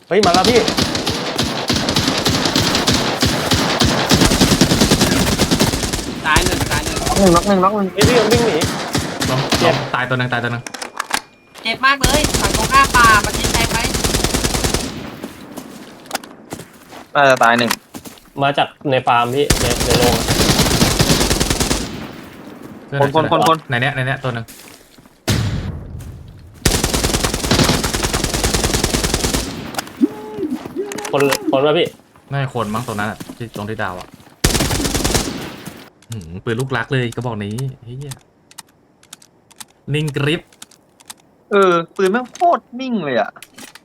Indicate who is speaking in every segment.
Speaker 1: เฮ้ยมาแล้วพี่
Speaker 2: ตายหนึ่ง
Speaker 3: น็อกหนึ่ง
Speaker 1: พี่มันวิ่งหนี
Speaker 4: เจ็บตายตัวหนึ่ง
Speaker 2: เจ็บมากเลยฝั่งตรงข้ามป่ามันยิงแทงไหม
Speaker 3: น่าจะตายหนึ่ง
Speaker 1: มาจากในฟาร์มพี่ในโรง
Speaker 3: คน
Speaker 4: ในเนี้ยตัวหนึ่ง
Speaker 1: คนว่าพี่
Speaker 4: น่าจะคนมั้งตัวนั้นที่ตรงที่ดาวอ่ะปืนลูกรักเลยกระบอกนี้เฮียนิ่งกริป
Speaker 3: ปืนแม่งโคตรนิ่งเลยอ่ะ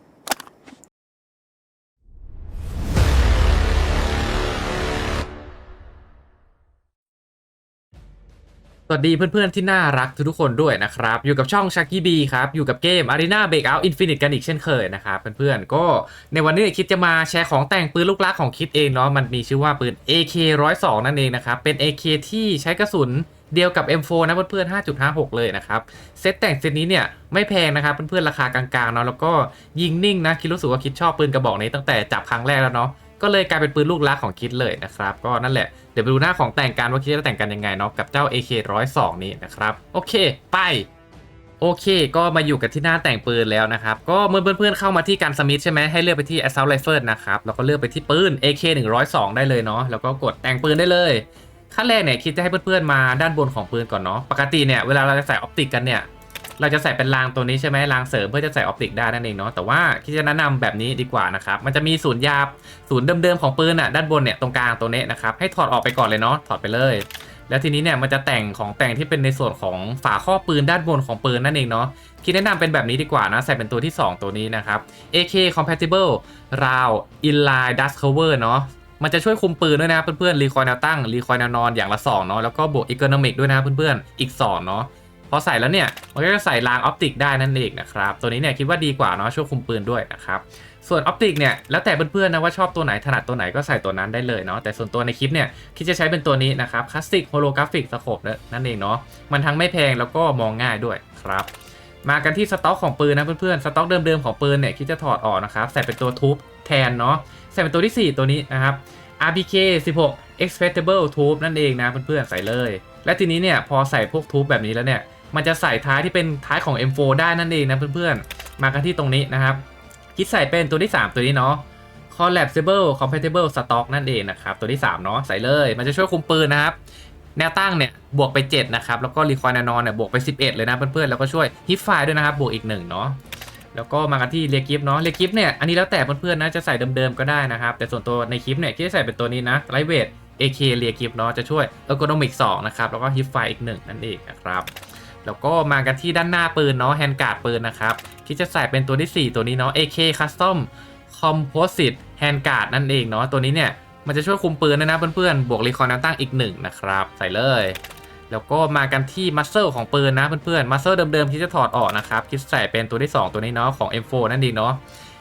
Speaker 4: สวัสดีเพื่อนๆที่น่ารักทุกคนด้วยนะครับอยู่กับช่อง Chucky B ครับอยู่กับเกม Arena Breakout Infinite กันอีกเช่นเคยนะครับเพื่อนๆก็ในวันนี้คิดจะมาแชร์ของแต่งปืนลูกรักของคิดเองเนาะมันมีชื่อว่าปืน AK102 นั่นเองนะครับเป็น AK ที่ใช้กระสุนเดียวกับ M4 นะเพื่อนๆ 5.56 เลยนะครับเซตแต่งเซตนี้เนี่ยไม่แพงนะครับเพื่อนๆราคากลางๆเนาะแล้วก็ยิงนิ่งนะคิดรู้สึกว่าคิดชอบปืนกระบอกนี้ตั้งแต่จับครั้งแรกแล้วเนาะก็เลยกลายเป็นปืนลูกรักของคิดเลยนะครับก็นั่นแหละเดี๋ยวไปดูหน้าของแต่งกันว่าคิดจะแต่งกันยังไงเนาะกับเจ้า AK102 นี้นะครับโอเคไปโอเคก็มาอยู่กันที่หน้าแต่งปืนแล้วนะครับก็เมื่อเพื่อนๆเข้ามาที่การสมิธใช่ไหมให้เลือกไปที่ Assault Rifle นะครับแล้วก็เลือกไปที่ปืน AK102 ได้เลยเนาะแล้วก็กดแต่งปืนได้เลยขั้นแรกเนี่ยคิดจะให้เพื่อนๆมาด้านบนของปืนก่อนเนาะปกติเนี่ยเวลาเราจะใส่ออปติกกันเนี่ยเราจะใส่เป็นรางตัวนี้ใช่ไหมรางเสริมเพื่อจะใส่ออปติกได้นั่นเองเนาะแต่ว่าคิดจะแนะนำแบบนี้ดีกว่านะครับมันจะมีศูนย์ยาศูนย์เดิมๆของปืนอ่ะด้านบนเนี่ยตรงกลางตัวนี้นะครับให้ถอดออกไปก่อนเลยเนาะถอดไปเลยแล้วทีนี้เนี่ยมันจะแต่งของแต่งที่เป็นในส่วนของฝาครอบปืนด้านบนของปืนนั่นเองเนาะคิดแนะนำเป็นแบบนี้ดีกว่านะใส่เป็นตัวที่ 2 ตัวนี้นะครับ AK compatible round inline dust cover เนาะมันจะช่วยคุมปืนด้วยนะเพื่อนๆรีคอยแนวตั้งรีคอยแนวนอนอย่างละ2เนาะแล้วก็บวกอีโคโนมิกด้วยนะเพื่อนๆอีก2เนาะพอใส่แล้วเนี่ยมันก็จะใส่รางออปติกได้นั่นเองนะครับตัวนี้เนี่ยคิดว่าดีกว่าเนาะช่วยคุมปืนด้วยนะครับส่วนออปติกเนี่ยแล้วแต่เพื่อนๆนะว่าชอบตัวไหนถนัดตัวไหนก็ใส่ตัวนั้นได้เลยเนาะแต่ส่วนตัวในคลิปเนี่ยคิดจะใช้เป็นตัวนี้นะครับคลาสสิกโฮโลกราฟิกสโคปนั่นเองเนาะมันทั้งไม่แพงแล้วก็มองง่ายด้วยครับมากันที่สต็อกของปืนนะเพื่อนๆสต็อกเดิมๆของปืนเนี่ยคิดจะถอดออกนะครับใส่เป็นตัวทูบแทนเนาะใส่เป็นตัวที่ 4 ตัวนี้นะครับ RPK 16 Expectable Tube นั่นเองนะเพื่อนๆใส่เลยและทีนี้เนี่ยพอใส่พวกทูบแบบนี้แล้วเนี่ยมันจะใส่ท้ายที่เป็นท้ายของ M4 ได้นั่นเองนะเพื่อนๆมากันที่ตรงนี้นะครับคิดใส่เป็นตัวที่ 3 ตัวนี้เนาะ Collapsible Compatible Stock นั่นเองนะครับตัวที่ 3 เนาะใส่เลยมันจะช่วยคุมปืนนะครับแนวตั้งเนี่ยบวกไป7นะครับแล้วก็รีคอยล์แนวนอนเนี่ยบวกไป11เลยนะเพื่อนๆแล้วก็ช่วยฮิปไฟด้วยนะครับบวกอีก1เนาะแล้วก็มากันที่เรียกิฟเนาะเรียกิฟเนี่ยอันนี้แล้วแต่เพื่อนๆนะจะใส่เดิมๆก็ได้นะครับแต่ส่วนตัวในคลิปเนี่ยที่ใส่เป็นตัวนี้นะไลท์เวท AK เรียกิฟเนาะจะช่วยเออร์โกนอมิก2นะครับแล้วก็ฮิปไฟอีก1นั่นเองนะครับแล้วก็มากันที่ด้านหน้าปืนเนาะแฮนด์การ์ดปืนนะครับที่จะใส่เป็นตัวที่ 4 ตัวนี้เนาะ AK Custom Composite Hand Guard นั่นเองเนาะตัวนี้เนี่ยมันจะช่วยคุมปืนด้วยนะเพื่อนๆบวกรีคอยล์แนวตั้งอีก1นะครับใส่เลยแล้วก็มากันที่มัสเซลของปืนนะเพื่อนๆมัสเซลเดิมๆที่จะถอดออกนะครับคิดใส่เป็นตัวที่ 2 ตัวนี้เนาะของ M4 นั่นเองเนาะ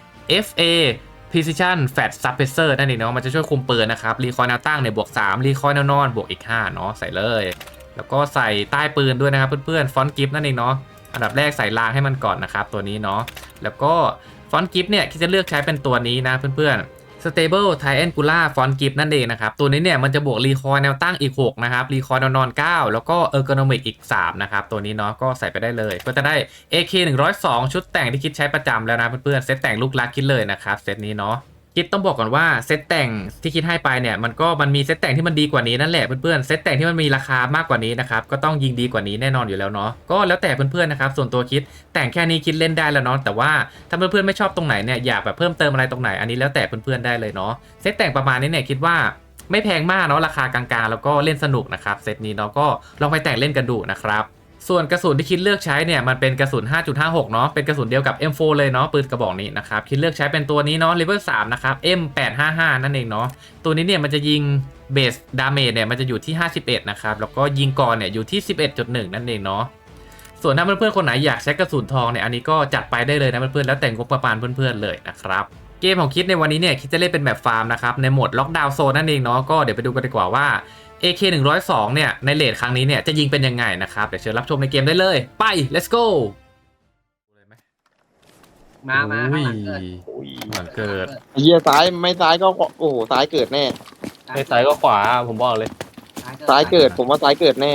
Speaker 4: FA Precision Fat Suppressor นั่นเองเนาะมันจะช่วยคุมปืนนะครับรีคอยล์แนวตั้งเนี่ยบวก3รีคอยล์แนวนอนบวกอีก5เนาะใส่เลยแล้วก็ใส่ใต้ปืนด้วยนะครับเพื่อนๆฟอนต์กิฟต์นั่นเองเนาะอันดับแรกใส่รางให้มันก่อนนะครับตัวนี้เนาะแล้วก็ฟอนต์กิฟต์เนี่ยคิดจะเลือกใช้เป็นตัวนี้นะเพื่อนๆ Stable Triangular Font Grip นั่นเองนะครับตัวนี้เนี่ยมันจะบวกรีคอยล์แนวตั้งอีก6นะครับรีคอยล์แนวนอน9แล้วก็ Ergonomic อีก3นะครับตัวนี้เนาะก็ใส่ไปได้เลยก็จะได้ AK102 ชุดแต่งที่คิดใช้ประจำแล้วนะเพื่อนๆเซตแต่งลูกรักคิดเลยนะครับเซตนี้เนาะคิดต้องบอกก่อนว่าเซตแต่งที่คิดให้ไปเนี่ยมันมีเซตแต่งที่มันดีกว่านี้นั่นแหละเพื่อนๆเซตแต่งที่มันมีราคามากกว่านี้นะครับก็ต้องยิงดีกว่านี้แน่นอนอยู่แล้วเนาะก็แล้วแต่เพื่อนๆนะครับส่วนตัวคิดแต่งแค่นี้คิดเล่นได้แล้วเนาะแต่ว่าถ้าเพื่อนๆไม่ชอบตรงไหนเนี่ยอยากแบบเพิ่มเติมอะไรตรงไหนอันนี้แล้วแต่เพื่อนๆได้เลยเนาะเซตแต่งประมาณนี้เนี่ยคิดว่าไม่แพงมากเนาะราคากลางๆแล้วก็เล่นสนุกนะครับเซตนี้เนาะก็ลองไปแต่งเล่นกันดูนะครับส่วนกระสุนที่คิดเลือกใช้เนี่ยมันเป็นกระสุน 5.56 เนาะเป็นกระสุนเดียวกับ M4 เลยเนาะปืนกระบอกนี้นะครับคิดเลือกใช้เป็นตัวนี้เนาะ Level 3 นะครับ M855 นั่นเองเนาะตัวนี้เนี่ยมันจะยิงเบสดาเมจเนี่ยมันจะอยู่ที่51นะครับแล้วก็ยิงก่อนเนี่ยอยู่ที่ 11.1 นั่นเองเนาะส่วนถ้าเพื่อนๆคนไหนอยากใช้กระสุนทองเนี่ยอันนี้ก็จัดไปได้เลยนะเพื่อนๆแล้วแต่งงบประมาณเพื่อนๆเลยนะครับเกมของคิดในวันนี้เนี่ยคิดจะเล่นเป็นแบบฟาร์มนะครับในโหมดล็อกดาวน์โซนนั่นเองเนาะก็เดี๋ยวไปดูกันดีกว่าว่าAK102 เนี่ยในเรทครั้งนี้เนี่ยจะยิงเป็นยังไงนะครับเดี๋ยวเชิญรับชมในเกมได้เลยไป let's go เลยไหม
Speaker 2: มาข้างหลังเกิด
Speaker 1: อุ้ย
Speaker 4: เหมือนเกิด
Speaker 3: ไอ้เหี้ยซ้ายไม่ซ้ายก็โอ้โหซ้ายเกิดแน่
Speaker 1: ไม่ซ้ายก็ขวาผมบอกเลย
Speaker 3: ซ้ายเกิดผมว่าซ้ายเกิดแน่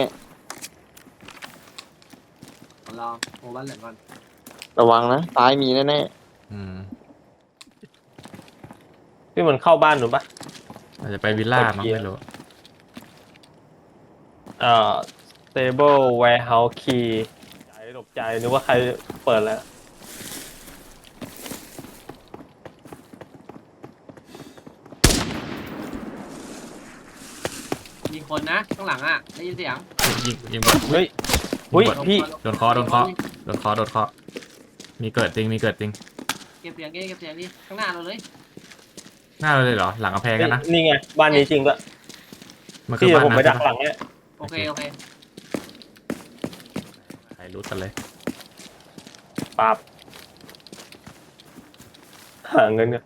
Speaker 2: รอโอ้บ้านเหลืองก่อน
Speaker 3: ระวังนะซ้ายมีแน่
Speaker 4: อืม
Speaker 1: พี่มันเข้าบ้านหนูปะ
Speaker 4: อาจจะไปวิลล่ามั้งไม่รู้
Speaker 1: stable warehouse key ใจหลบใจนึกว่าใครเปิดแล้ว
Speaker 2: มีคนนะข้างหลังอ่ะได้ยินเสียง
Speaker 4: ยิง
Speaker 1: เฮ้ยอุ้ยพี่
Speaker 4: โดนเคอมีเกิดจริงมีเกิดจริง
Speaker 2: เก็บเสียงนี่ข้างหน้าเราเลย
Speaker 4: หน้าเราเลยเหรอหลังกำแพงกันนะ
Speaker 1: นี่ไงบ้านนี้จริงด้วย
Speaker 4: มันคือ
Speaker 1: พี่เดี๋ยว
Speaker 4: บ้าน
Speaker 1: ผมไป
Speaker 4: นะ
Speaker 1: ดักหลังเนี่ย
Speaker 2: โอเค
Speaker 4: ใครรู้กันเลย
Speaker 1: ปั๊บหาเงินกัน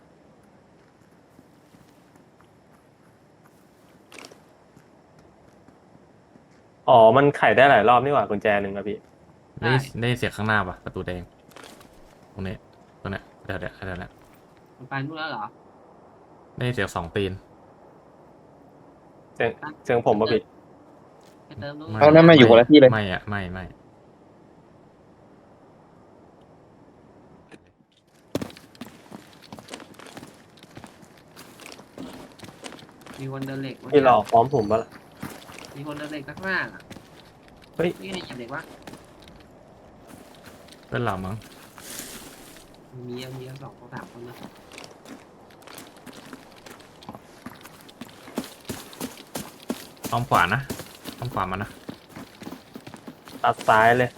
Speaker 1: อ๋อมันไขได้หลายรอบนี่หว่ากุญแจหนึ่งอะพี่
Speaker 4: ได้เสียงข้างหน้าปะประตูแดงตรงนี้เดี๋ยวนะ
Speaker 2: มันไปนู่นแล้วเหรอ
Speaker 4: ได้เสียง2 ตีน
Speaker 1: เสียงผมปะพี่
Speaker 2: ไปเติมนู่น
Speaker 3: ๆเอานั่นมาอยู่คนละที่เลย
Speaker 4: ไม่อะไม่
Speaker 2: มีคนเดินเหล็ก
Speaker 1: พี่หลอกพร้อมผมปะล่ะ
Speaker 2: มีคนเดินเหล็กข้างหน้า
Speaker 1: เฮ้ย
Speaker 2: นี่ไงเหยียบเหล็กวะ
Speaker 4: เพื่อนเรามั้ง
Speaker 2: มี2 3 คนนะ
Speaker 4: อ้อมขวานะอ้อมขวามานะ
Speaker 1: ตัดซ้ายเลย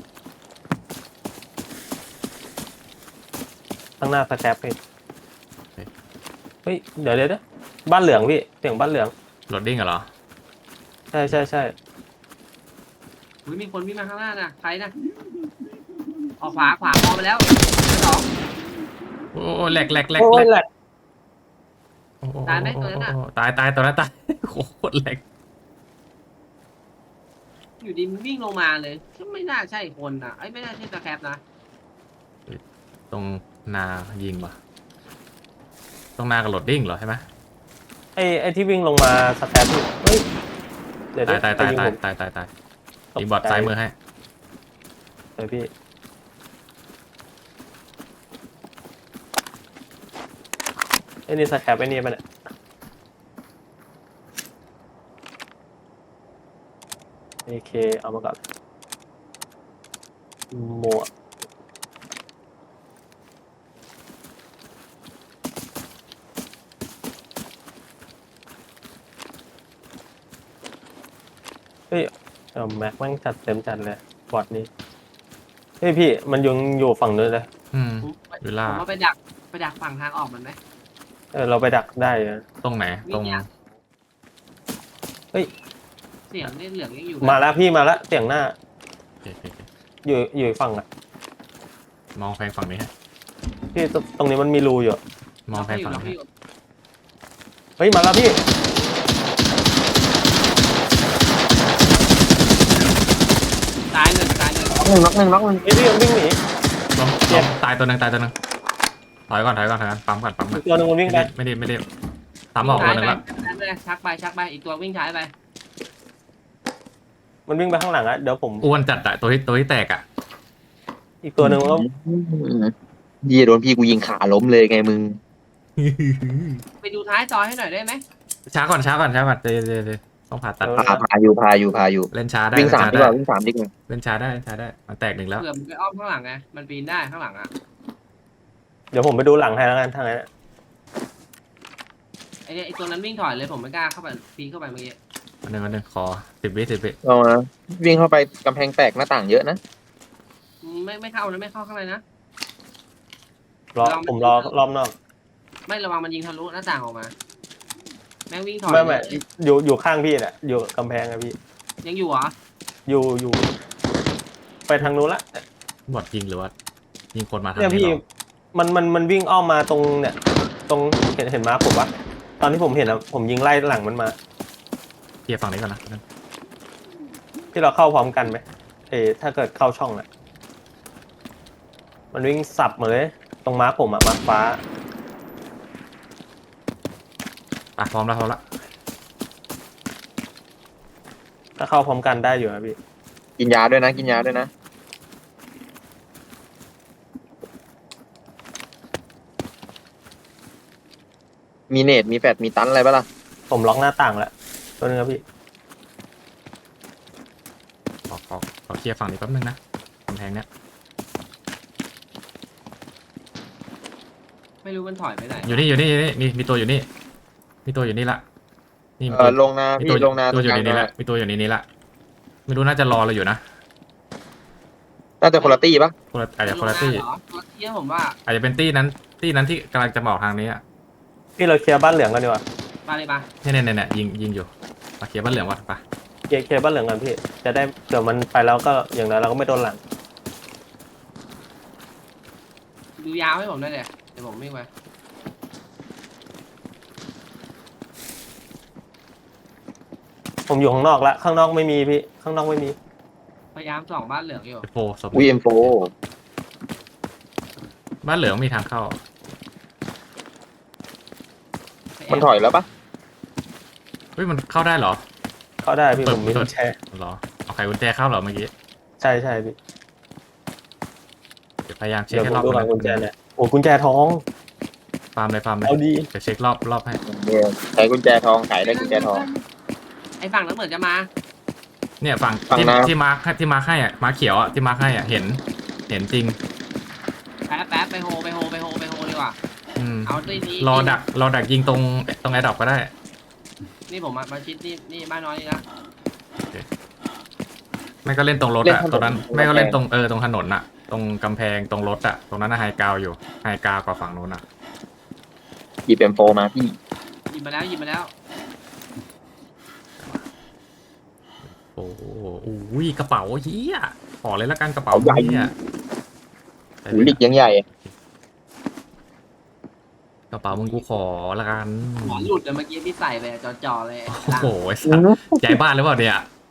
Speaker 1: ข้างหน้าสแครปพี่เฮ้ยเดี๋ยวบ้านเหลืองพี่เสียงบ้านเหลือง
Speaker 4: โหลดดิ้งเหรอ
Speaker 1: ใช่
Speaker 2: อุ้ยมีคนวิ่งมาข้างหน้านะใครนะออกขวามองไปแล้ว2
Speaker 4: โอ้แหลก
Speaker 1: โอ้ยแหละ
Speaker 2: ตายไหมตัวนั้นอะ
Speaker 4: ตายตัวนั้นตายโอ้โหโคตรแหลก
Speaker 2: อยู่ดีมันวิ่งลงมาเลยไม่น่าใช่คนอ่ะไม่น่าใช่ตะแคบนะ
Speaker 4: ตรงนายิงปะตรงนากับโหลดดิ้งเหรอใช่ไหม
Speaker 1: ไอ้ที่วิ่งลงมาสแครปพี่เฮ้ยเดี๋ยว
Speaker 4: ตาย
Speaker 1: จะงผม
Speaker 4: ยิงบอดซ้ายมือให้
Speaker 1: เดี๋ยวพี่ไอ้นี่สแครปไอ้นี่มันAK เอามาก่อนหมวกเฮ้ยแม็กแม่งจัดเต็มจัดเลยบอดนี้เฮ้ยพี่มันยังอยู่ฝั่งนู้นเลย
Speaker 4: อืม
Speaker 2: ผม
Speaker 4: วิลล่า
Speaker 2: ว่าไปดักฝั่งทางออกมันไหม
Speaker 1: เราไปดักได้นะ
Speaker 4: ตรงไหนตรง
Speaker 2: เสียงนี่เหลืองยังอยู่
Speaker 1: มาแล้วพี่มาแล้วเสียงหน้า
Speaker 4: โอเค
Speaker 1: อยู่ฝั่งอ่ะ
Speaker 4: มองแพงฝั่งนี้ฮะ
Speaker 1: พี่ตรงนี้มันมีรูอยู่
Speaker 4: มองแพงฝั่ง
Speaker 2: เรา
Speaker 4: นี้
Speaker 2: อยู่
Speaker 1: เฮ้ยมาแล้วพี่
Speaker 2: ตายเลย
Speaker 3: น็อกหนึ่ง
Speaker 1: เฮ้ยพี่มันวิ่งหนี
Speaker 4: ล้มตายตัวหนึ่งถอยก่อนปั๊มก่อน
Speaker 1: อีกตัวหนึงมันวิ่งไป
Speaker 4: ไม่ได้ตามออกตัวหนึ่งแล้ว
Speaker 2: ชักไปอีกตัววิ่งช้ายไป
Speaker 1: มันวิ่งไปข้างหลังอะเดี๋ยวผม
Speaker 4: อ้วนจัดอะตัวที่แตกอะ
Speaker 1: อีกตัวหนึ่งมันก็
Speaker 3: ยี่โดนพี่กูยิงขาล้มเลยไงมึง
Speaker 2: ไปดูท้ายจอให้หน่อยได้ไหม
Speaker 4: ช้าก่อนเดี๋ยวต้องผ่าตัด
Speaker 3: พาอยู่
Speaker 4: เล่นช้าได้
Speaker 3: วิ่ง 3ดีกว่าวิ่ง 3ดีกว่า
Speaker 4: เล่นช้าได้มันแตก 1แล้ว
Speaker 2: เผื่อมันไปอ้อมข้างหลังไงมันปีนได้ข้างหลังอ่ะ
Speaker 1: เดี๋ยวผมไปดูหลังให้แล้วกันทางนั้นอะ
Speaker 2: ไอตัวนั้นวิ่งถอยเลยผมไม่กล้าเข้าไปปีนเข้าไปเมื่อกี้
Speaker 4: วันหนึ่งขอ10 วิ
Speaker 3: เอานะวิ่งเข้าไปกำแพงแตกหน้าต่างเยอะนะ
Speaker 2: ไม่เข้านะไม่เข้าข้างในนะ
Speaker 1: ผมรอรอบนอก
Speaker 2: ไม่ระวังมันยิงทะลุหน้าต่างออกมาแม่งวิ่งถอย
Speaker 1: ไม่อยู่ข้างพี่แหละอยู่กำแพงอะพี่
Speaker 2: ยังอยู่เหรอ
Speaker 1: อยู่ไปทางนู้นละ
Speaker 4: บอดยิงหรือว่ายิงคนมาทาง
Speaker 1: เนี่ย
Speaker 4: นี้
Speaker 1: พี่
Speaker 4: หรอ
Speaker 1: มันวิ่งอ้อมมาตรงเนี่ยตรงเห็นมาผมปะตอนที่ผมเห็นอะผมยิงไล่หลังมันมา
Speaker 4: เคลียร์ฝั่งนี้ก่อนนะ
Speaker 1: ที่เราเข้าพร้อมกันไหมถ้าเกิดเข้าช่องอะมันวิ่งสับมาเลยตรงม้าผมอะม้าฟ้า
Speaker 4: พร้อมแล้วพร้อมแล้ว
Speaker 1: ถ้าเข้าพร้อมกันได้อยู่ครับพี่
Speaker 3: กินยาด้วยนะกินยาด้วยนะมีเนตมีแฟดมีตันอะไรปะล่ะ
Speaker 1: ผมล็อกหน้าต่างแล้วตัวนึงครับพี่
Speaker 4: ขอเคลียร์ฝั่งนี้แป๊บนึงนะกำแพงเนี้ย
Speaker 2: ไม่รู้มันถอยไปไหน
Speaker 4: อยู่นี่มีตัวอยู่นี่มีตัวอยู่นี่ละนี่มี
Speaker 3: ลงนา
Speaker 4: มี
Speaker 3: พี่
Speaker 4: ตัว
Speaker 3: ลงนา
Speaker 4: ตัวอยู่
Speaker 3: ต
Speaker 4: ใน
Speaker 3: รงกลาง
Speaker 4: นี้
Speaker 3: นา
Speaker 4: ละมีตัวอยู่ในนี้ละไม่รู้น่าจะรอเราอยู่นะ
Speaker 3: น่าจะคนละตี้ปะ
Speaker 4: อาจจะคนละตี้
Speaker 2: เหรอตัวเที่ยผมว่า
Speaker 4: อาจจะเป็นตี้นั้นที่กำลังจะมาออกทางนี้อ่ะ
Speaker 1: พี่เราเคลียร์บ้านเหลืองกันดีกว่า
Speaker 2: มาเลยปะ
Speaker 4: เนี่ยยิงอยู่มาเคลียร์บ้านเหลืองก่อนไป
Speaker 1: เคลียร์บ้านเหลืองกันพี่ จะได้เดี๋ยวมันไปแล้วก็อย่างนั้นเราก็ไม่โดนหลัง
Speaker 2: ดูยาวให้ผมได้เลยเดี๋ยวผมวิ่งไป
Speaker 1: ผมอยู่ข้างนอกละข้างนอกไม่มีพี่ ข้างนอกไม่มี
Speaker 2: พยายามส่องบ้านเหลืองอยู่
Speaker 4: โฟสม
Speaker 3: วีเอ็มโฟ
Speaker 4: บ้านเหลืองมีทางเข้า
Speaker 3: มันถอยแล้วปะ
Speaker 4: เฮ้ยมันเข้าได้เหรอ
Speaker 1: เข้าได้พี่ผมมีกุญแจ
Speaker 4: เหรอเอาไขกุญแจเข้าเหรอเมื่อกี้
Speaker 1: ใช่พี่
Speaker 4: เดี๋ยวพยายามเช็ค
Speaker 1: เดี๋ยว
Speaker 4: ให้
Speaker 1: ผ
Speaker 4: ร
Speaker 1: ม
Speaker 4: อบ
Speaker 1: ดู
Speaker 4: นึ
Speaker 1: หลังกุญแจเนี่ยโอ้กุญแจทอง
Speaker 4: ฟาร์มเลย
Speaker 1: เอาดี
Speaker 4: เดี๋ยวเช็ครอบให้
Speaker 3: ใช้กุญแจทองขายได้กุญแจทอง
Speaker 2: ไอ้ฝั่งนั้นเหมือนจะมา
Speaker 4: เนี่ยฝั่ง
Speaker 3: ฝั่ง
Speaker 4: ที่
Speaker 3: น้ำ
Speaker 4: ที่มาร์คให้อ่ะมาร์คเขียวอ่ะที่มาร์คให้อ่ะเห็นจริง
Speaker 2: แป๊บไปโฮดีกว่า
Speaker 4: อืม
Speaker 2: เอาด้วยนี้
Speaker 4: รอดักยิงตรงแอร์ดรอปก็ได้
Speaker 2: นี่ผมมาชิดนี่บ้านน้อยนี่นะ
Speaker 4: ไม่ก็เล่นตรงรถ
Speaker 3: เล่น
Speaker 4: อ่ะ
Speaker 3: ถนน
Speaker 4: ตรงนั้น
Speaker 3: ตรง
Speaker 4: ไม่ก็เล่น
Speaker 3: กำแพง
Speaker 4: ตรงถนนอ่ะ ตรงกำแพงตรงรถอ่ะตรงนั้นน่ะไฮกราวอยู่ไฮกราวกว่าฝั่งนู้นอ่ะ
Speaker 3: หยิบเอ็มโฟมาพี่
Speaker 2: หยิบมาแล้ว
Speaker 4: โอ้โหอุ้ยกระเป๋าเฮียขอเลยละกันกระเป๋าเฮีย
Speaker 3: หูหลิกยังใหญ่
Speaker 4: กระเป๋ามึงกูขอละกัน
Speaker 2: หมอนหลุดเลยเมื่อกี้ที่ใส่ไปจ่อเลย
Speaker 4: โอ้โหไอ้สัสย้ายบ้านหรือเปล่าเนี่ย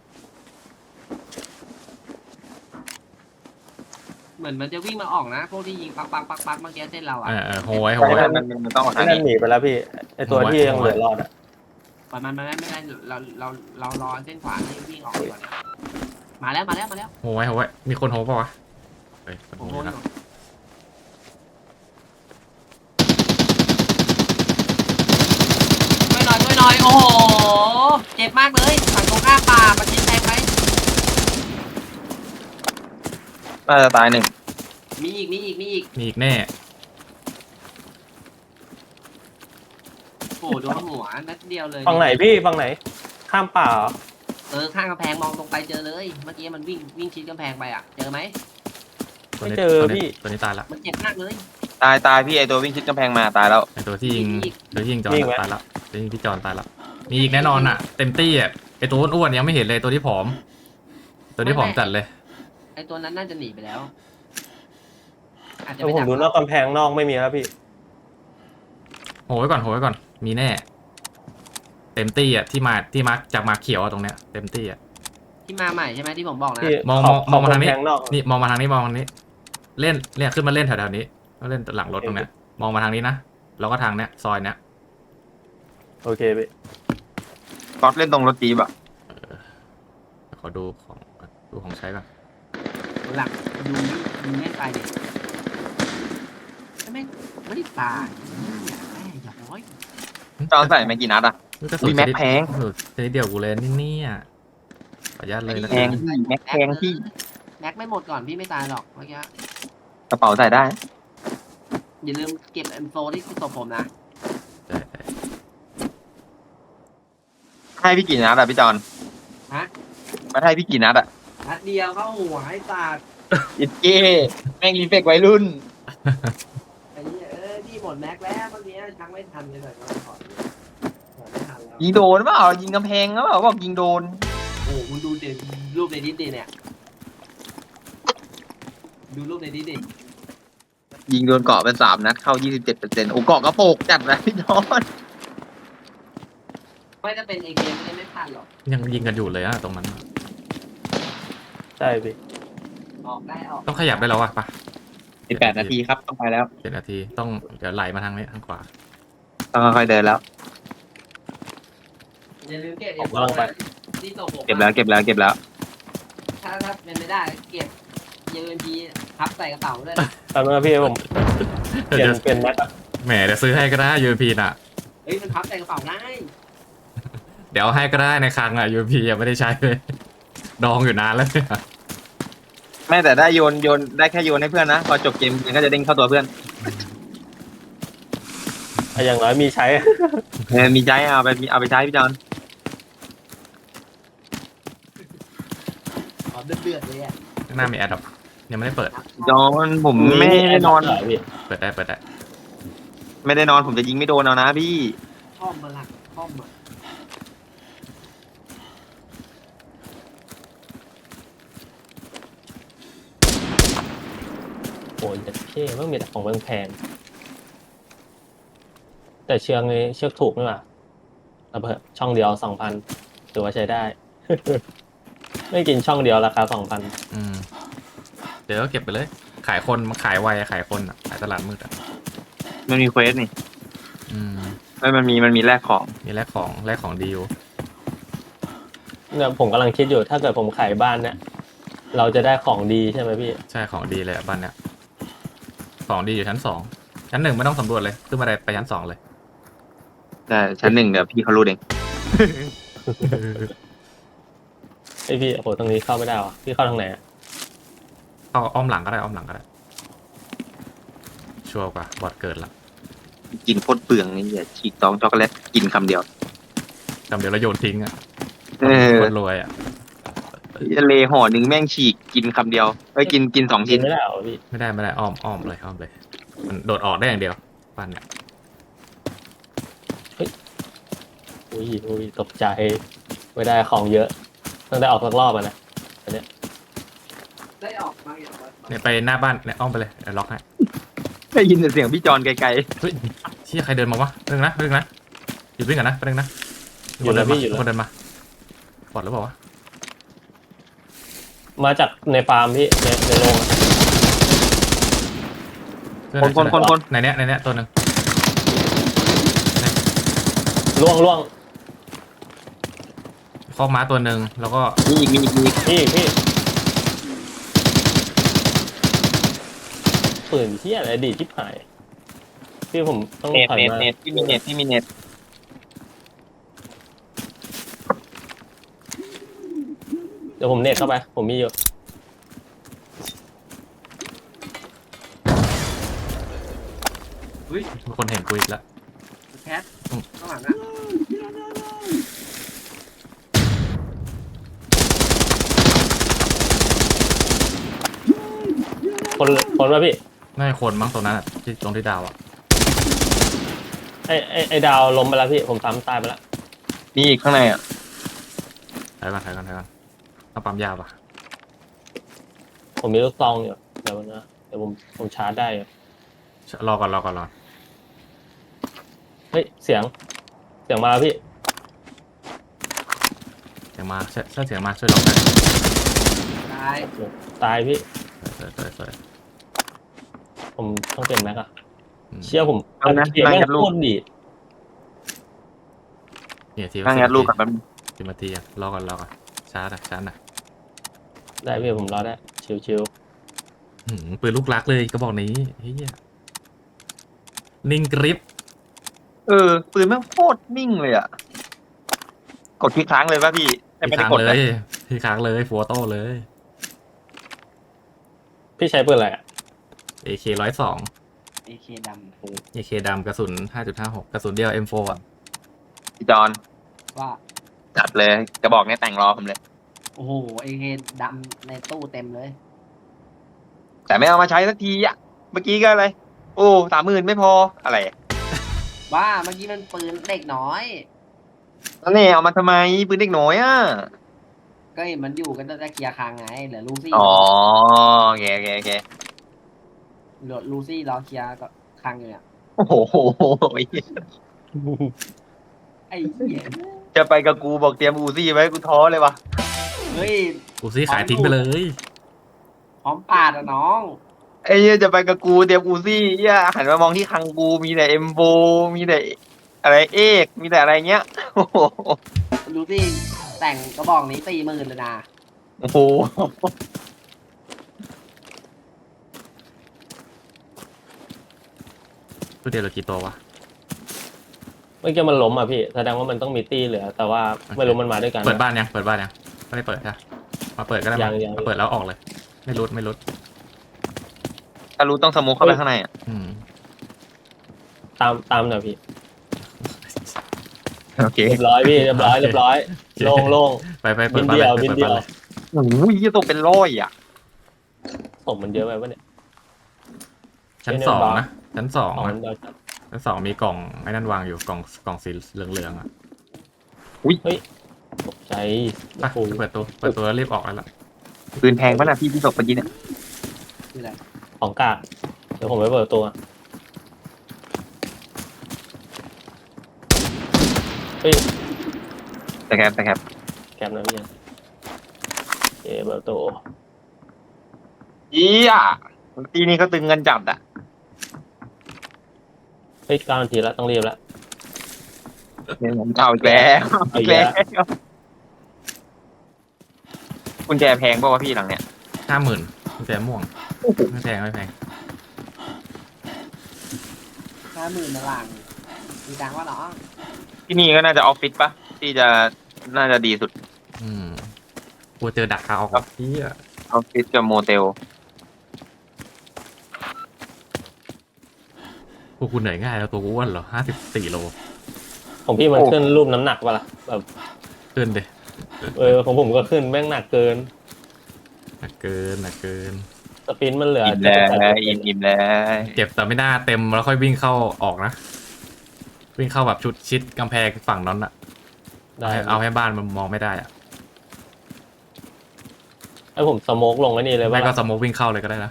Speaker 2: เหมือนมันจะวิ่งมาออกนะพวกที่ยิงปักเมื่อกี้เส้นเราอ่ะ
Speaker 4: โหย
Speaker 3: มันต้องออกทาง
Speaker 1: นั่น
Speaker 3: นี้
Speaker 1: หนีไปแล้วพี่ไอตัวที่ยังเหลือรอดอะ
Speaker 2: ปล่อยมันไม่ได้เรารอเส้นขวาที่วิ่งออกก่อนมาแล้ว
Speaker 4: โหยมีคนโหเปล่าวะเฮ้ยคน
Speaker 2: ผม
Speaker 4: โห
Speaker 2: โดน
Speaker 4: แล้ว
Speaker 2: ช่วยหน่อยโอ้โหเจ็บมากเลยฝั่งตรงข้ามป่ามาชิดแทงไป
Speaker 3: น่าจะตายหนึ่ง
Speaker 2: มีอีก
Speaker 4: มีอีกแน่
Speaker 2: โอ้โดนหัวนัดเดียวเลย
Speaker 1: ฝั่งไหนพี่ฝั่งไหน ข้ามป่าเหรอ
Speaker 2: ข้างกำแพงมองตรงไปเจอเลยเมื่อกี้มันวิ่งชิดกำแพงไปอ่ะเจอไหม
Speaker 4: ตัวนี้
Speaker 1: ไม่เจอพี่
Speaker 4: ตัวนี้ตายละ
Speaker 2: มันเจ็บมากเลย
Speaker 3: ตายพี่ไอตัววิ่งชิดกำแพงมาตายแล้ว
Speaker 4: ไอตัวที่ยิง
Speaker 2: มีอีก
Speaker 4: จอนตายละตัวยิงพี่จอนตายละมีอีกแน่นอนอ่ะเต็มตี้อ่ะไอตัวอ้วนๆยังไม่เห็นเลยตัวที่ผอม ตัวที่ผอมจัดเลย
Speaker 2: ไอตัวนั้นน่าจะหนีไปแล้วอาจจะ
Speaker 1: เดี๋ยว
Speaker 2: ไป
Speaker 1: ผม
Speaker 2: ดัก
Speaker 1: ดูนอกกำแพงนอกไม่มีแล้วพี่
Speaker 4: โหไว้ก่อนมีแน่ เต็มตี้อ่ะที่มาจากมาเขียวอ่ะตรงเนี้ยเต็มตี้อ่ะ
Speaker 2: ที่มาใหม่ใช่ไหมที่ผมบอกนะ
Speaker 1: พี่
Speaker 4: มอง
Speaker 1: ขบ
Speaker 4: มองมาทางนี้
Speaker 1: ขบกำแพนอก
Speaker 4: นี่มองมาทางนี้เล่นเนี่ยขึ้นมาเล่นแถวๆนี้ก็เล่นหลังรถตรงเนี้ยมองมาทางนี้นะแล้วก็ทางเนี้ยซอยเนี้ย
Speaker 1: โอเคพี่
Speaker 3: ก๊อตเล่นตรงรถจีบอะ
Speaker 4: ขอดูของใช้ก่อน
Speaker 2: หลังดูแม่งตายเด็กไม่ได้ตายแม่อย่าร้อย
Speaker 3: จอนใส่ไม่กี่นัดอะ
Speaker 4: กระสุ
Speaker 3: อุ๊
Speaker 4: น
Speaker 3: ยแม็กแพง
Speaker 4: กระสุนชนิดเดียวกูเลยนี่เนี่ยขออนุญาตเลยนะ
Speaker 3: แพงพี่แม็กแพงพี่
Speaker 2: แม็กไม่หมดก่อนพี่ไม่ตายหรอกเมื่อกี้
Speaker 3: กระเป๋าใส่ได้
Speaker 2: อย่าลืมเก็บM4ที่ศพผมนะ
Speaker 4: ใช่
Speaker 3: ให้พี่กี่นัดอะพี่จอน
Speaker 2: ฮะ
Speaker 3: มาให้พี่กี่นัดอะ
Speaker 2: นัดเดียวเข้าหัวให้ตาด
Speaker 3: อิดเก้แม่งรีเฟกวัยรุ่น
Speaker 2: ไอ้นี่พี่หมดแม็กแล้วเมื่อกี้ชักไม่ทันเลยหน่อยก็ขอไม่ทันแล้ว
Speaker 3: ยิงโดนเปล่ายิงกำแพงเปล่าบอกยิงโดน
Speaker 2: โอ้คุณดูเด็รูปในดิสดิเนี่ยดูรูปในดิสดิ
Speaker 3: ยิงโดนเกาะเป็น3 นัดเข้า 27%โอ้เกาะกระโปกจัดนะพี่จอน
Speaker 2: ไม่ถ้าเป็นเอเกมไม่พลาดหรอก
Speaker 4: ยังยิงกันอยู่เลยอะตรงนั้น
Speaker 1: ใช่พี่
Speaker 2: ออกได้ออก
Speaker 4: ต้องขยับได้แล้วอะปะ
Speaker 3: 18 นาทีครับต้องไปแล้ว
Speaker 4: 7 นาทีต้องเดี๋ยวไหลมาทางนี้ทางขวา
Speaker 3: ต้องค่อยๆเดินแล้ว
Speaker 2: อย่าลืมเก็บ
Speaker 1: ผมกำลังไป
Speaker 2: ที่ตกผม
Speaker 3: เก็บแล้ว
Speaker 2: ถ้าเป็นไม่ได้เก็บUMP พับใส่กระเป๋าด้วยนะ
Speaker 1: ตอนนี้พี่ผมเปลี่ยนแม็กอะ
Speaker 4: แหมเดี๋ยวซื้อให้ก็ได้ UMP น่ะ
Speaker 2: เฮ้ยมันพับใส่กระเป๋าได้
Speaker 4: เดี๋ยวให้ก็ได้ในคลังอ่ะ UMP ยังไม่ได้ใช้เลย ดองอยู่นานแล้วเนี่ย
Speaker 3: ไม่แต่ได้โยนได้แค่โยนให้เพื่อนนะพอจบเกมมันก็จะเด้งเข้าตัวเพื่อน
Speaker 1: อย่างน้อยมีใช้
Speaker 3: มีใจเอาไปใช้พี่จอน
Speaker 2: ขอเดือดเลยอ่ะ
Speaker 4: ข้างหน้ามีแอดดับยังไม่ได้เปิด
Speaker 3: จอนผมไม่ได้นอน
Speaker 1: เหรพี่
Speaker 4: เปิดได้
Speaker 3: ไม่ได้นอนผมจะยิงไม่โดนเอานะพี่
Speaker 2: ข้อมมาหลักข้อมมา
Speaker 1: โอ้ยเด็ดเท่มันมีแต่ของแพงๆแต่เชือกนี้เชือกถูกนี่หว่าระเบิดช่องเดียว 2,000ถือว่าใช้ได้ ไม่กินช่องเดียวราคา 2,000
Speaker 4: อืมเดี๋ยวก็เก็บไปเลย ขายคนมันขายไวอะขายคนอะขายตลาดมืดอะ
Speaker 3: มันมีเควสนี่
Speaker 4: อืม
Speaker 3: ไม่มันมีแลกของ
Speaker 4: มีแลกของดีอยู่
Speaker 1: เนี่ยผมกำลังคิดอยู่ถ้าเกิดผมขายบ้านเนี่ยเราจะได้ของดีใช่ไหมพี่
Speaker 4: ใช่ของดีเลยอะบ้านเนี้ยของดีอยู่ชั้น 2ชั้น 1ไม่ต้องสำรวจเลยขึ้นมาได้ไปชั้น 2เลย
Speaker 3: แต่ชั้น 1เดี๋ยวพี่เขารู้เอง
Speaker 1: ไอพี่โอ้โหตรงนี้เข้าไม่ได้วะพี่เข้าทางไหนอะ
Speaker 4: เข้าอ้อมหลังก็ได้ชัวร์กว่าบอดเกิดละ
Speaker 3: กินโคตรเปลืองนี่อย่าฉีกซองช็อกโกแลตกินคำเดียว
Speaker 4: จำเดี๋ยวเราโยนทิ้งอะ
Speaker 3: เออ
Speaker 4: คนรวยอะ
Speaker 3: เลห่อหนึ่งแม่งฉีกกินคำเดียวกิน2
Speaker 1: กิ
Speaker 3: ชิ้
Speaker 1: น
Speaker 3: น
Speaker 1: ไม่ได้เหรอพี่
Speaker 4: ไม่ได้อ้อมเลยมันโดดออกได้อย่างเดียวบ้านเนี่ย
Speaker 1: อุ้ยตกใจไม่ได้ของเยอะต้องได้ออกสักรอบอะนะ
Speaker 2: ได้ออกมาอย่างไร
Speaker 4: เนี่ยไปหน้าบ้านเนี่ยอ้อมไปเลยเดี๋ยวล็อกให้
Speaker 3: ได้ยินแต่เสียงพี่จอนไกล
Speaker 4: เฮ้ยเชี่ยใครเดินมาวะเรื่องนะหยุดวิ่งกันนะเรื่องนะ
Speaker 1: อยู่แล้วพี่อยู่
Speaker 4: มี
Speaker 1: แล้ว
Speaker 4: คนเดินมาบอดหรือเปล่าวะ
Speaker 1: มาจากในฟาร์มพี่ในโรงอะ
Speaker 4: เพื่อ
Speaker 3: ๆคน
Speaker 4: ในเนี้ยตัวหนึ่ง
Speaker 1: ล่วง
Speaker 4: คอกม้าตัวหนึ่งแล้วก็
Speaker 3: มีอีก
Speaker 1: พี่ปืนที่อะไรดีที่หายพี่ผมต้อง
Speaker 3: เน็ต
Speaker 1: ถอยมา
Speaker 3: ที่มีเน็ต
Speaker 1: เดี๋ยวผมเน็ตเข้าไปผมมีอยู่
Speaker 2: เฮ้ย
Speaker 4: มีคนเห็นกูอีกแล้ว
Speaker 2: แคทข้างหลังอ่ะ
Speaker 1: คนว่าพี่
Speaker 4: น่าจะคนมั้งตรงนั้นอะที่ตรงที่ดาวอะ
Speaker 1: ไอดาวล้มไปแล้วพี่ผมซ้ำตายไปแล้ว
Speaker 3: มีอีกข้างในอ่ะ
Speaker 4: ถ่ายก่อนเอาปั๊มยาวปะ
Speaker 1: ผมมีลูกซองอยู่เดี๋ยวนะเดี๋ยวผมชาร์จได้อยู่
Speaker 4: รอก่อน
Speaker 1: เฮ้ยเสียงมาแล้วพี่
Speaker 4: เสียงมาถ้าเสียงมาช่วยล็อกได้
Speaker 2: ตาย
Speaker 1: ตายพี่
Speaker 4: สวย
Speaker 1: ผมต้องเปลี่ยนแม็กอะ
Speaker 4: อืม
Speaker 1: เชี่ยผม
Speaker 3: เอานะ
Speaker 1: เกมแม่ง
Speaker 3: นั่งยัดลูก
Speaker 1: โคตรดีด
Speaker 4: เนี่ยที
Speaker 3: นั่งยัดลูกกับแป๊บนึง
Speaker 4: 10 นาทีอะรอก่อนชาร์จนะ
Speaker 1: ได้พี่ผมรอได้ชิว
Speaker 4: ปืนลูกรักเลยก็บอกนี้เฮียนิ่งกริป
Speaker 3: ปืนแม่งโคตรนิ่งเลยอ่ะกดคลิกค้างเลยป่ะพี่แต่
Speaker 4: ที่
Speaker 3: ไม่ได้
Speaker 4: ค้าง
Speaker 3: กด
Speaker 4: เล
Speaker 3: นะ
Speaker 4: ยที่ค้างเลยโฟโต้เลย
Speaker 1: ๆพี่ใช้ปืนอะไรอะ
Speaker 4: AK 102
Speaker 2: AK ดำ
Speaker 4: AK ดำกระสุน 5.56 กระสุนเดียว M4 อ่ะ
Speaker 3: พี่จอน
Speaker 2: ว่า
Speaker 3: จัดเลยกระบอกเนี้ยแต่งรอผมเลย
Speaker 2: โอ้โห AK ดำในตู้เต็มเลย
Speaker 3: แต่ไม่เอามาใช้สักทีอ่ะเมื่อกี้ก็อะไรโอ้30,000ไม่พออะไร
Speaker 2: ว่าเมื่อกี้มันปืนเด็กน้อย
Speaker 3: แล้วเนี่ยเอามาทำไมปืนเด็กน้อยอ่ะ
Speaker 2: ก็เห็นมันอยู่กันตั้งแต่เคลียร์คางไงเหลือลูซี่
Speaker 3: อ๋อโอเค
Speaker 2: เหลือลูซี่รอเคลียร์ก็คางอยู่เนี่ย
Speaker 3: โอ้โห
Speaker 2: ไอ้เหี้ย
Speaker 3: จะไปกับกูบอกเตรียมอูซี่ไว้กูท้อเลยวะ
Speaker 2: เฮ้ย
Speaker 4: กูซี่ขายทิ้งไปเลย
Speaker 2: พร้อมปาดอ่ะน้อง
Speaker 3: ไอ้เหี้ยจะไปกับกูเตรียมอูซี่เหี้ยหันมามองที่คังกูมีแต่เอ็มโบมีแต่อะไรเอกมีแต่อะไรเงี้ยโอ้โห
Speaker 2: ดูสิแต่งกระบอกนี้40,000เลยนะ
Speaker 3: โอ้โห
Speaker 4: ตัวเดียวเหลือกี่ตัววะ
Speaker 1: เมื่อกี้มันล้มอ่ะพี่แสดงว่ามันต้องมีตี้เหลือ แต่ว่าไม่รู้มันมาด้วยกัน
Speaker 4: เปิดบ้านยังไม่ได้เปิดใช่ปะมาเปิดก็ได้
Speaker 1: ยัง
Speaker 4: มาเปิดแล้วออกเลย ไม่รุด
Speaker 3: ถ้ารู้ต้องสโมุกเข้าไปข้างในอ่ะ
Speaker 4: อืม
Speaker 1: ตามหน่อยพี่
Speaker 3: โอเค
Speaker 1: เรียบร้อยพี่เรียบร้อยโล่ง
Speaker 4: ไปเปิ
Speaker 1: บิ
Speaker 4: ด
Speaker 1: น
Speaker 4: บ้าน
Speaker 1: เดี
Speaker 4: เลย
Speaker 1: ยว
Speaker 4: ไป
Speaker 1: บิน
Speaker 4: เปิด
Speaker 1: เดี
Speaker 4: บ้าย น
Speaker 1: ว
Speaker 4: เลย
Speaker 3: โอ้โหยี่ตัวเป็นร้อยอ่ะ
Speaker 1: ส่งมันเยอะไปวะเนี่ย
Speaker 4: ชั้น
Speaker 1: เจเนอร์
Speaker 4: สอง
Speaker 1: บาร์
Speaker 4: นะชั้นสอง
Speaker 1: ของ
Speaker 4: นะ
Speaker 1: เดียวจัด
Speaker 4: ชั้นสองมีกล่องไอ้นั่นวางอยู่กล่องสีเหลืองๆอ่ะ
Speaker 1: ตกใจ
Speaker 4: ไป
Speaker 1: โอ้โห
Speaker 4: เปิดตัวแล้วรีบออกแล้วล่ะ
Speaker 3: ปืนแพงป่ะนะพี่ศพเมื่อกี้เนี่ย
Speaker 2: คืออะไร
Speaker 1: ของกากเดี๋ยวผมไปเปิดตัวเฮ้ย
Speaker 3: แต่แคบ
Speaker 1: แกมนะพี่เปิดตัว
Speaker 3: ยี่อ่ะทีนี้เขาตึงเงินจัดอ่ะ
Speaker 1: เฮ้ย9 นาทีแล้วต้องรีบแล้ว
Speaker 3: เอาอีกแล้ว
Speaker 1: เอาอีกแล้ว
Speaker 3: กุญแจแพงป่าวะพี่หลังเนี่ย
Speaker 4: 50,000กุญแจม่วงไม่แพง
Speaker 2: 50,000มาหลังมีตังค์ว่าน้อง
Speaker 3: ที่นี่ก็น่าจะออฟฟิศปะที่จะน่าจะดีสุด
Speaker 4: อืมกลัวเจอดักคาออกว่ะเหี้ย
Speaker 3: ออฟฟิศกับโมเตล
Speaker 4: พวกคุณเหนื่อยง่ายแล้วตัวกูอ้วนเหรอ54 โล
Speaker 1: ของพี่มันขึ้นรูปน้ำหนักป่ะล่ะแบบ
Speaker 4: ขึ้นดิ
Speaker 1: ของผมก็ขึ้นแม่งหนักเกิน
Speaker 4: หนักเกิน
Speaker 1: สปินมันเหลือ
Speaker 3: อิ่มแล้วอิ่มแล้ว
Speaker 4: เจ็บแต่ไม่น่าเต็มแล้วค่อยวิ่งเข้าออกนะ วิ่งเข้าแบบชุดชิดกำแพงฝั่งนั้นอะ
Speaker 1: ได้
Speaker 4: เอาให้บ้านมันมองไม่ได้อะ
Speaker 1: ให้ผมสโมกลงไว้นี่เลย
Speaker 4: ไม่
Speaker 1: ว่า
Speaker 4: ก็สโมกวิ่งเข้าเลยก็ได้นะ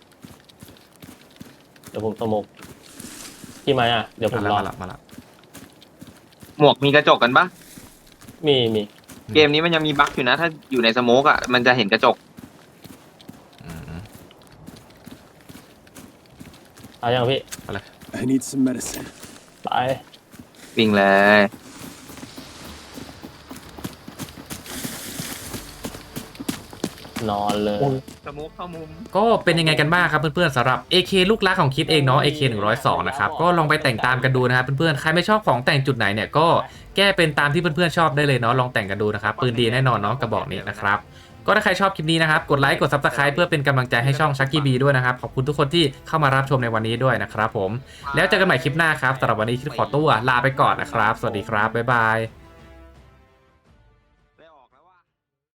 Speaker 1: เดี๋ยวผมสโมกพี่มาอ่ะเดี๋ยวผมรอ
Speaker 4: มาละ
Speaker 3: หมวกมีกระจกกันปะ
Speaker 1: มี
Speaker 3: เกมนี้มันยังมีบั๊กอยู่นะ ถ้าอยู่ในสโมกอ่ะมันจะเห็นกระจก
Speaker 4: อืม
Speaker 1: เอายังพี่
Speaker 5: I need some medicine.
Speaker 1: ไป
Speaker 3: วิ่งเลย
Speaker 1: นอนเลย
Speaker 3: สโมกเข้ามุม
Speaker 4: ก็เป็นยังไงกันบ้างครับเพื่อนๆสำหรับ AK ลูกรักของคิดเองเนาะ AK 102นะครับก็ลองไปแต่งตามกันดูนะครับเพื่อนๆใครไม่ชอบของแต่งจุดไหนเนี่ยก็แก้เป็นตามที่เพื่อนๆชอบได้เลยเนาะลองแต่งกันดูนะครับปืนดีแน่นอนเนาะกระบอกนี้นะครับก็ถ้าใครชอบคลิปนี้นะครับกดไลค์กด Subscribe เพื่อเป็นกำลังใจให้ช่อง Chucky B ด้วยนะครับขอบคุณทุกคนที่เข้ามารับชมในวันนี้ด้วยนะครับผมแล้วเจอกันใหม่คลิปหน้าครับสำหรับวันนี้คิดขอตัวลาไปก่อนนะครับสวัสดีครับบ๊ายบาย